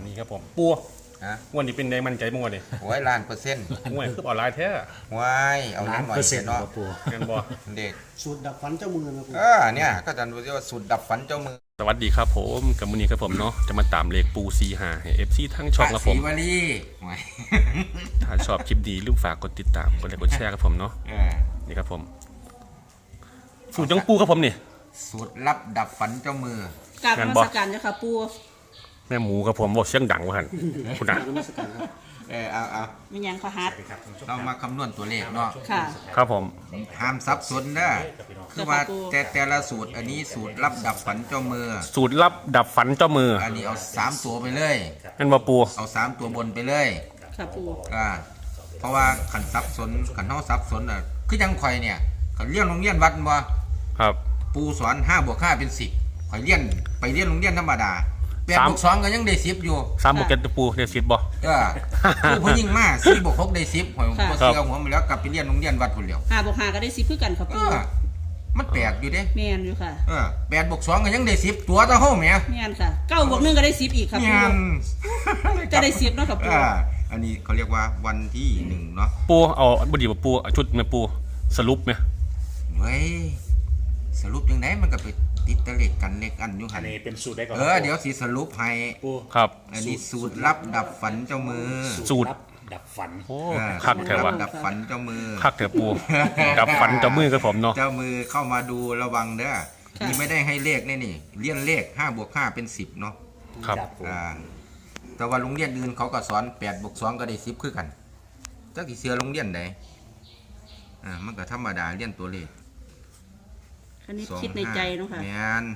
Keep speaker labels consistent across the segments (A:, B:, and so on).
A: นี่ครับผมปูวันนี้เป็นได้มั่นใจมั่วดิ
B: หวย1,000,000
A: มั่วคือออนไลน์แท้
B: หวยเอาหน่อยเนาะ
A: กันบ่
B: เด็ก
C: สูตรดับฝันเจ้ามือนะปู
B: เนี่ยก็จะดูว่าสูตรดับฝันเจ้ามือ
A: สวัสดีครับผมกับมื้อนี้ครับผมเนาะจะมาตามเลขปู45ให้ FC ทั้งช่องครับผม
B: สีวลี
A: ถ้าชอบคลิปดีลืมฝากกดติดตามกดไลค์กดแชร์ครับผมเนาะนี่ครับผมสูตรจังปูครับผมนี่
B: สูตรลับดับฝันเจ้ามือ
D: การนมัสการเจ้าค่ะปู
A: แม่หมูครับผมบอกเสียงดังว่าหั่นคุณน่ะ
B: เอา
D: มีหยังขอฮัด
B: เรามาคำนวณตัวเลขเนาะ
D: ค่ะ
A: ครับผม
B: ห้ามซับซ้อนนะคือว่าแต่ละสูตรอันนี้สูตรลับดับฝันเจ้ามือ
A: สูตรลับดับฝันเจ้ามือ
B: อันนี้เอา3ตัวไปเลย
A: นั่นบ่ปู
B: เอา3ตัวบนไปเลย
D: ค่ะปู
B: เพราะว่าขันซับซ้อนขันเฮาซับซ้อนน่ะคือยังข่อยเนี่ยขันเรียนโรงเรียนวัดบ่
A: ครับ
B: ปูสอน5 + 5 เป็น 10ข่อยเรียนไปเรียนโรงเรียนธรรมดา8 + 2ก็ยังได้10อยู่
A: 3 บวก 7ปูได้10บ่
B: ผู้ผู้ยิ่งมา4 + 6ได้10ข่อยบ่เชื่อหัวมันแล้วกลับไปเรียนโรงเรียนวัดพุ่นแล้ว
D: 5 + 5ก็ได้10คือกันค่ะปู
B: มันแปลกอยู่เด้
D: แม่นอยู่ค่ะ
B: 8 + 2ก็ยังได้10ตัวเท่าเฮาแหม
D: แม่นค่ะ9 + 1ก็ได้10อีกค่ะปูก็ได้10เนาะค่ะปู
B: อันนี้เขาเรียกว่าวันที่1เนาะ
A: ปูเอาบ่ดีบ่ปูชุดแม่ปูสรุปแม่
B: เฮ้ยสรุปจังได๋มันก็ไปติดตะเลขกันเลขอันอยู่หั่น
E: อันนี้เป็นสูตรได้ก่อน
B: เดี๋ยวสิสรุปให้
A: ครับ
B: อันนี้สูตรลับดับฝันเจ้ามือ
A: สูตร
E: ดับฝัน
A: โอ้คักแท้ว่ะ
B: ดับฝันเจ้ามือ
A: คักแท้ปูดับฝันเจ้ามือกับผมเนาะ
B: เจ้ามือเข้ามาดูระวังเด้อนี่ไม่ได้ให้เลขนี่เรียนเลข5 + 5เป็น10เนาะ
A: ครับ
B: แต่ว่าโรงเรียนอื่นเขาก็สอน8 + 2ก็ได้10คือกันจักสิเชื่อโรงเรียนใดมันก็ธรรมดาเรียนตัวเลข
D: อันนี้คิดในใจเนาะค่ะ
B: แม่น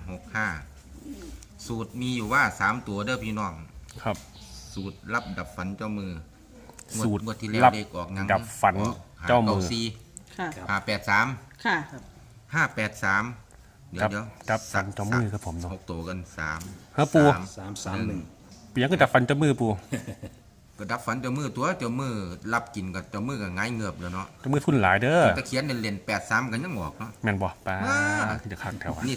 B: 65สูตรมีอยู่ว่า3ตัวเด้อพี่น้อง
A: ครับ
B: สูตรลับดับฝันเจ้ามือ
A: สูตร
B: ที่แล้วเลขออกยัง
A: ดับฝันเจ้ามือ
D: ค่ะ
B: 583
D: ค่ะ
B: 583เดี๋ยว
A: ดับฝันเจ้ามือครับผมเนาะ
B: 6ตัวกัน3
A: เฮ้อปู
E: 331
A: เปียงก็ดับฝันเจ้ามือปู
B: ก็ดับฝันเจ้ามือตัวเจ้ามือรับกินกับเจ้ามือก็ง่ายเงือบแล้วเนาะ
A: เจ้ามือทุนหลายเด้อ
B: ตะเคียนเล่น83กันยังออกเนาะ
A: แม่นบ่ป้าขึ้นจะคักแถว
B: นี่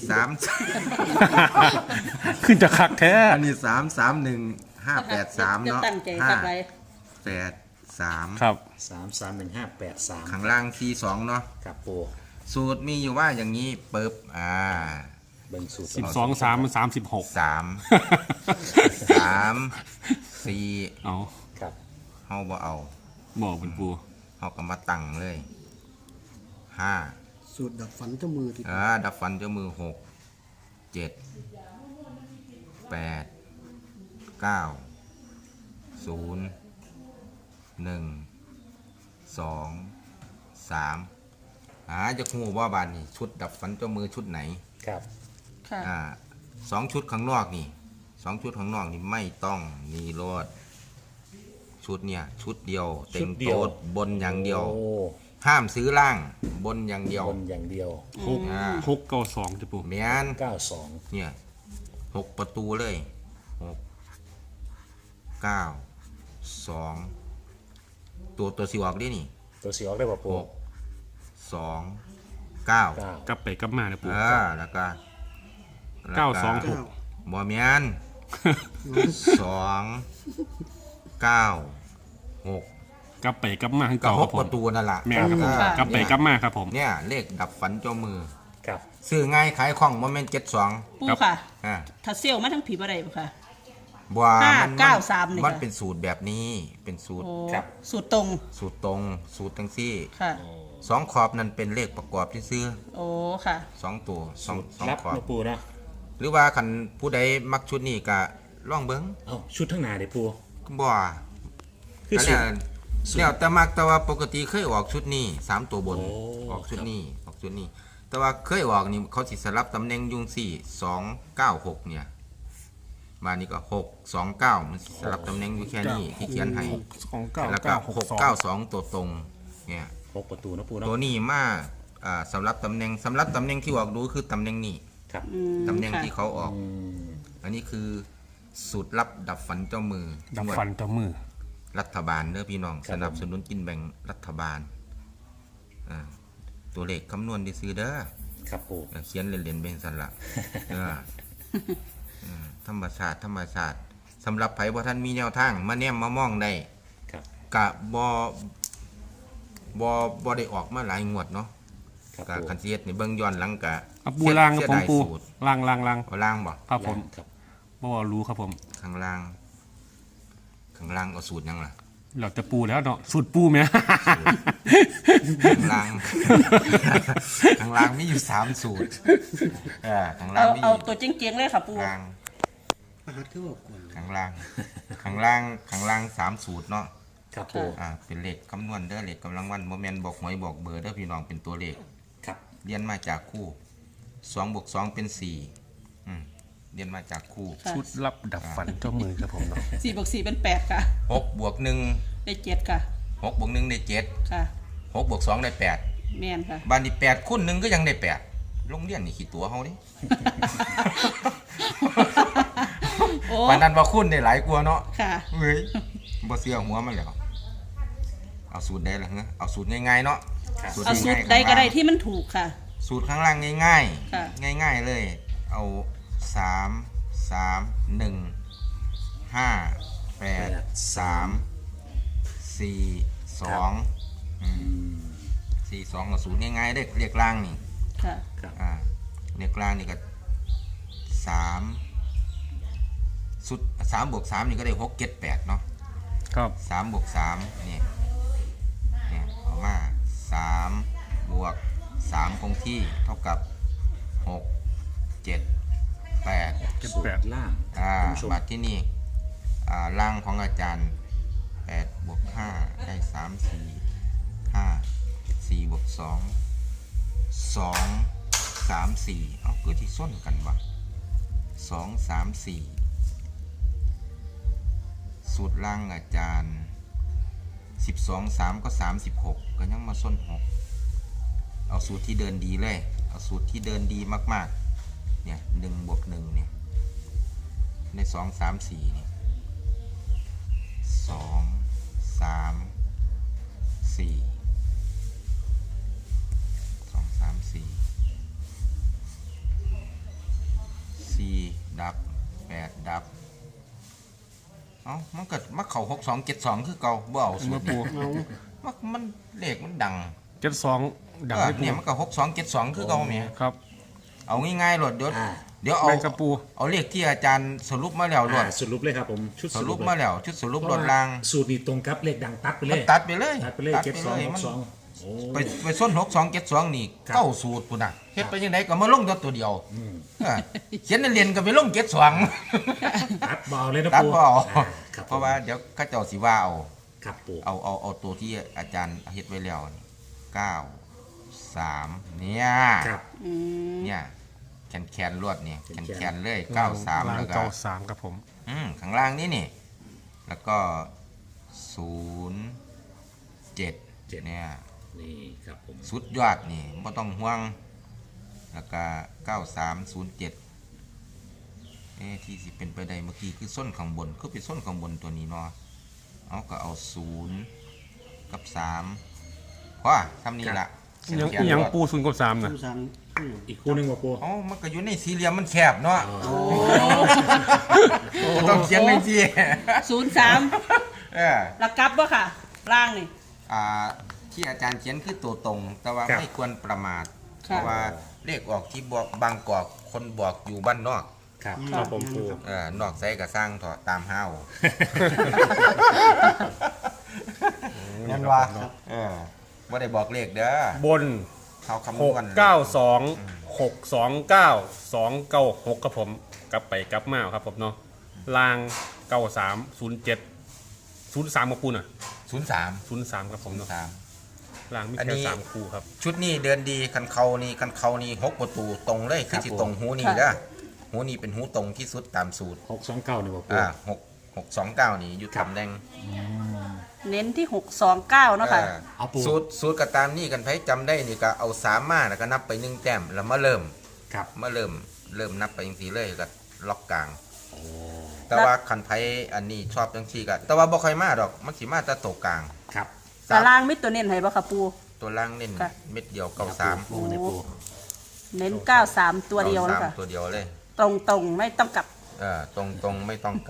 A: 3ขึ้นจะคักแท้
B: อันนี้331 583เนาะ
D: ตั้งใจคักไว้
B: 83
A: ครับ
E: 331 583
B: ข้างล่าง42เนาะ
E: ครับปู
B: สูตรมีอยู่ว่าอย่างนี้ปึ๊บ
E: เบิ่งสูตร
A: 12 3 มัน36
B: 4
A: เอา
E: ครับ
B: เฮาบ่เอา
A: บอกเป็นปู
B: เฮาก็มาตั้งเลย5
C: สูตรดับฝันเจ้ามือที่
B: ดับฝันเจ้ามือ6 7 8 9 0 1 2 3จะฮู้ว่าบานนี่ชุดดับฝันเจ้ามือชุดไหน
E: ครับ
B: 2ชุดข้างนอกนี่2ชุดข้างนอกนี่ไม่ต้องมีรถชุดเนี่ยชุดเดียวเต็งโต๊ดบนอย่างเดียวห้ามซื้อล่างบนอย่างเดียว
E: บนอย่างเดียว
A: 6 9 2จะปู
B: แม่น
E: 92
B: เนี่ย6ประตูเลย6 9 2ตัวสิออกดินี่
E: ตัวสิออกได้บ่ปู
B: 2 9
A: กลับไปกลับมานะปู
B: แล้วก็
A: 926
B: บ่แม่น2 9 6
A: กลับไปกลับมาคือเก่าครับผม
B: ประตูนั่นล่ะ
A: แม่นครับผมกลับไปกลับมาครับผม
B: เนี่ยเลขดับฝันเจ้ามือ
E: ครับ
B: ซื้อง่ายขายคล่องบ่แม่น72
D: ปูค่ะถ้าเซลมาทั้งผีบ่ได้บ่ค่ะ
B: บ่มันเป็นสูตรแบบนี้เป็นสูตร
D: ครับสูตรตรง
B: สูตรจังซี่
D: ค่ะ
B: 2ขอบนั่นเป็นเลขประกอบที่ซื้อ
D: โอ้ค่ะ
B: 2ตัว2ขอบ
E: ปูนะ
B: หรือว่าคันผู้ใดมักชุดนี้ก็ลองเบิ่ง
E: ชุดทั้งหน้าเด้ปู
B: บ่คือแล้วแต่มักแต่ว่าปกติเคยออกชุดนี้3ตัวบนออกชุดนี้แต่ว่าเคยออกนี่เขาสิสลับตำแหน่งยุง4 2 9 6เนี่ยมานี่ก็6 2 9มันสลับตำแหน่งอยู่แค่นี้ที่เขียนให้แล้วก็6 9 2ตัวตรงเนี่ย
E: 6ประตูนะปูนะ
B: ตัวนี้มาสำหรับตำแหน่งที่ออกดูคือตำแหน่งนี้
E: ครับ
B: ตำแหน่งที่เขาออกอันนี้คือสูตรลับดับฝันเจ้ามือ
A: ดับฝันเจ้ามือ
B: รัฐบาลเด้อพี่น้องสนับสนุนกินแบ่งรัฐบาลตัวเลขคำนวณได้ซื้อเด้อ
E: ครับปู
B: เขียนเล่นๆเป็นสันละธรรมศาสตร์สำหรับไผบ่ท่านมีแนวทางมาแนมมามองได้
E: ครับ
B: กะบ่ได้ออกมาหลายงวดเนาะ
E: ครับ
B: กะ
E: ปู
B: คันสิเฮ็ดนี่เบิ่งย้อนหลังกะ
A: เอาปูล่างครับผมปู
B: เสียดายสูตร
A: ล่าง
B: เอาล่างบ่
A: ครับผม
E: ครับ
A: บ่ว่ารู้ครับผม
B: ข้างล่างเอาสูตรหยังล่ะ
A: เราจะปูแล้วเนาะสูตรปูไหม
B: ข้างล่าง ข้างล่างมีอยู่3สูตรข้างล่างมี
D: เอาตัวเจ๋งๆเลยค่ะปู
B: ข้างล่าง
C: ประหัดคือบอกก่อน
B: ข้างล่าง3สูตรเนาะ
E: ครับปู
B: เป็นเลขคำนวณเด้อเลขกำลังวันบ่แม่นบอกหวยบอกเบอร์เด้อพี่น้องเป็นตัวเลข
E: ครับ
B: เรียนมาจากคู่2 บวก 2 เป็น4เรียนมาจากคู่
D: ค่ะ
A: ชุดลับดับฝันเจ้ามือครับผมเนาะ
D: 4 บวก 4 เป็น 8 ค่ะ
B: 6 บวก 1
D: ได้ 7 ค่ะ
B: 6 บวก 1 ได้ 7
D: ค่ะ
B: 6 บวก 2 ได้
D: แม่นค่ะ
B: 8บ้านนี้8คูณ1ก็ยังได้8โรงเรียนนี่ขี้ตัวเฮาดิ
D: โอ้
B: ปานนั้นว่าคูณได้หลายกว่าเนาะ
D: ค่ะ
B: เฮ้ยบ่เชื่อหัวมันแล้วเอาสูตรใดล่ะฮะเอาสูตรง่ายๆเนาะ
D: เอาสูตร
B: ง่ายๆ
D: ใดก็ได้
B: ข้างล่าง
D: ที่มันถูกค่ะ
B: สูตรข้างล่างง่าย
D: ค่ะ
B: ๆง่ายๆเลย เอา3 1 5 8 3 4 2 4 2กับสูตรง่ายๆเด้เรียกล่างนี่
D: ค่ะ
B: เรียกล่างนี่ก็3สุด3 บวก 3นี่ก็ได้6 7 8เนาะ
A: ครับ
B: 3 บวก 3เนี่ยเอามา3 บวก 3 คงที่เท่ากับ 6 7 8
E: สูตรล่าง ท่านผู้ชม
B: บัตรที่นี่ร่างของอาจารย์8 บวก 5 ได้ 3 4 5 4 บวก 2 2 3 4เกิดที่ส้นกันวะ2 3 4 สูตรล่างอาจารย์12 3 ก็ 36 ก็ยังมาส้น 6 เอาสูตรที่เดินดีเลย เอาสูตรที่เดินดีมากๆเนี่ย1 บวก 1เนี่ยใน2 3 4เนี่ย2 3 4 2 3 4 4 ดับ 8 ดับมันเกิดมาเข่า6 2 7 2 คือเก่าบ่เอาสู
A: มา
B: ตร
A: ปู
B: นี่มันเลขมันดัง
A: 72ดังให้ปู
B: เนี่ยมันก็6 2 7 2 คือเก่าแหม
A: ครับ
B: เอาง่ายๆโลดเดี๋ยวเอา
A: แม่งกระปู
B: เอาเลขที่อาจารย์สรุปมาแล้วโลด
E: สรุปเลยครับผม ชุด
B: สรุป
E: เลย
B: มาแล้วชุดสรุปโลดล่าง
E: สูตรนี้ตรงกับเลขดังตัดไปเล
B: มัน
E: ย
B: ตัดไปเลย
E: ตัดไปเลยเจ็ดสองห
B: มั
E: ก
B: น
E: สองโอ้
B: ไปส้น6 2 7 2นี่
E: ครับ
B: เก้าสูตรพุ่นน่ะเฮ็ดไปยังไงก็มาลงตัวเดียว
E: อืม
B: เขียนเรียนก็ไปลง7 2
E: ตัดเบาเลยนะ
B: ตัด
E: ปู
B: บ่เอา
E: ครับ
B: เพราะว่าเดี๋ยวเขาเจ้าสิว่าเอา
E: ครับปู
B: เอาตัวที่อาจารย์เฮ็ดไว้แล้วนี่9 3เนี่ย
E: ครับ
D: อืม
B: เนี่ยแขนลวดนี่
E: แขน
B: แขนเลย93
A: ล่าง
B: แล้วก็
A: 93ครับผม
B: ข้างล่างนี่แล้วก็07เนี่ย
E: นี่ครับผม
B: สุดยอดนี่ไม่ต้องห่วง แล้วก็9307ที่สิเป็นไปได้เมื่อกี้คือส้นข้างบนคือเป็นส้นข้างบนตัวนี้เนาะเอาก็เอา0กับ3พอทำนี่ละ
A: ยังปู0กับ3นะ
C: ผู้สัง
E: อีกคู่หนึงว่าปู
B: มันก็อยู่ในสี่เหลี่ยมมันแคบเนาะก็ต้องเขียนในที่
D: 03ระกลับบ่ค่ะ ล่างนี่
B: ที่อาจารย์เขียนคือตัวตรง แต่ว่าไม่ควรประมาท เพ
D: ค่ะ
B: ราะว่าเลขออกที่บอกบางกอกคนบอกอยู่บ้านนอก
E: ครับครับผมปู
B: นอกใส่ก็สร้างเถอะตามห้าวนั่นว่าว่าได้บอกเลขเด้อบ
A: น
B: เขาคำนวณ
A: 692 629 296ครับผมกลับไปกลับมาครับผมเนาะล่าง93 07 03มาปูน่ะ
B: 03
A: 03ครับผมเนาะ
B: 3
A: ล่างมี
B: อันนี้
A: แค่3คู่ครับ
B: ชุดนี้เดินดีคันเขานี่6 ประตูตรงเลยคือสิตรงหูนี่
D: ค่ะ
B: เด้อหูนี่เป็นหูตรงที่สุดตามสูตร
E: 629นี่ว่าปู
B: 6 2 9นี่อยู่ตำแหน่ง
D: เน้นที่ 629เนาะค่ะ
E: เอาปู
B: สูตรก็ตามนี่กันไผจำได้นี่ก็เอา3มาแล้วก็นับไป1แต้มแล้วมาเริ่ม
E: ครับ
B: เริ่มนับไปจังซี่เลยก็ล็อกกลางแต่ว่าคันไผอันนี้ชอบจังซี่ก็แต่ว่าบ่ค่อยมาดอกมันสิมาแต่ตกกลาง
E: ครับ
D: แต่ล่างมิดตัวเน้นให้บ่ค่ะปู
B: ตัวล่างเน้น
D: ค่ะ
B: เม็ดเดียว
E: ปู
B: 93
E: ปูในปู
D: เน้น93ตัวเดียวนะคะ
B: ตัวเดียวเลย
D: ตรงๆไม่ต้องกลับ
B: ตรงไม่ต้องกลับ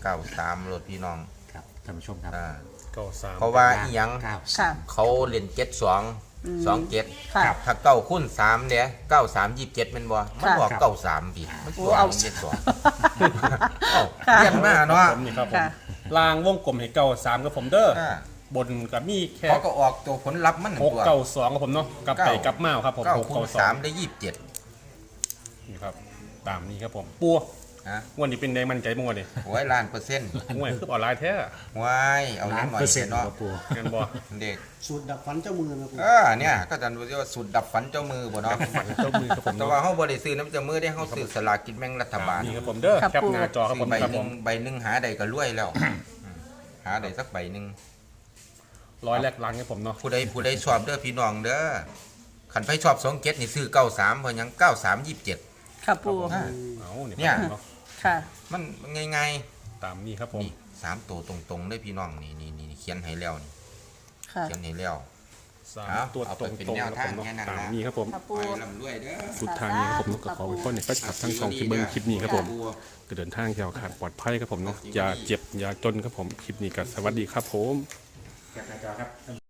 B: 93รถพี่น้อง
E: ครับท่านผู้ชมครับ
B: อ่า
A: เก้าสาม
B: เพราะว่าอีหยัง
E: เก้า
D: ค่ะ
B: เขาเล่น72 27
D: ค่ะ
B: ถ้าเก้าคูณ3เด้93 27แม่นบ่มันบอก93พี่มันบอก
D: เอา
B: 72เอ้าเรียนมาเนาะ
A: ผมนี่ครับผม
D: ค่ะ
A: ลางวงกลมให้เก้าสามครับผมเด้อ
B: อ่า
A: บนกับมีแค่
B: เขาก็ออกตัวผลลัพธ์มัน
A: หก
B: ตัว
A: เก้าสองครับผมเนาะกลับไปกลับมาครับผม
B: เก้า
A: หก
B: คู
A: เก้า
B: ณ
A: สอง
B: 3ได้27
A: นี่ครับตามนี้ครับผมปัว
B: ฮะ
A: วันนี้เป็นแดงมั่นใจมั่วนี่
B: โอ้ยล้านเปอร์เซ็นต์
A: มวยคือออนไลน์แท้
B: ว้ายเอา
E: ล้า
B: เล่
E: น
B: นหน่อย
E: เปอร์เซ็นต์
B: เนาะ
E: บ่ปู
A: งานบ่
B: เด็ก
C: สูตรดับฟันเจ้ามือนะปู
B: เนี่ยก็จะรู้ว่าสุดดับฝันเจ้ามือบ่เนาะ
A: เจ้ามือครับผม
B: แต่
A: เนาะ
B: ว่าเฮาบ่ได้ซื้อน้ำเจ้ามือได้เฮาซื้อสลากกินแบ่งรัฐบาล
A: นี่ครับผมเด้อ
D: ครับ
A: แคปหน้าจอครับผม
B: ใบ
A: ครับ
B: ห
A: ผ
B: นึ่
A: ม
B: งใบหนึ่งหาใดก็รวยแล้วหาใดสักใบหนึ่ง
A: ร้อยแรกล้านครับผมเนาะ
B: ผู้ใดชอบเด้อพี่น้องเด้อขันไปชอบ27นี่ซื้อ93เพราะหยัง9327
D: ค่ะปู
A: เอาเนี่ย
B: เนี่ย
A: เนาะ
D: ค่ะ
B: มันง่าย
A: ตามนี้ครับผม
B: ๆนี่3ตัวตรงๆเด้อพี่น้องนี่เขียนให้แล้วนี่
D: ค่ะ
B: เขียนให้แล้ว
A: สาม
B: เอา
A: ตัว
B: เอา
A: ต
B: ไป
A: รง
B: เป็น
A: ตรง
B: แนว
A: ครับผม
B: ทางแค่
A: เนาะ
B: นั้น
A: ตาม
B: นะ
A: นี้ครับผม
D: ค่ะ
B: ไป
D: ปู
B: ลำด้วยเด้อ
A: สุดทางนี้ครับผมเนาะก็ขอไว้ก่อนในแฟนคลับทั้งสองที่เบิ้งคลิปนี้ครับผมก็เดินทางแถวขาดปลอดภัยครับผมเนาะอย่าเจ็บอย่าจนครับผมคลิปนี้ก็สวัสดีครับผม
E: แคปหน้าจอครับ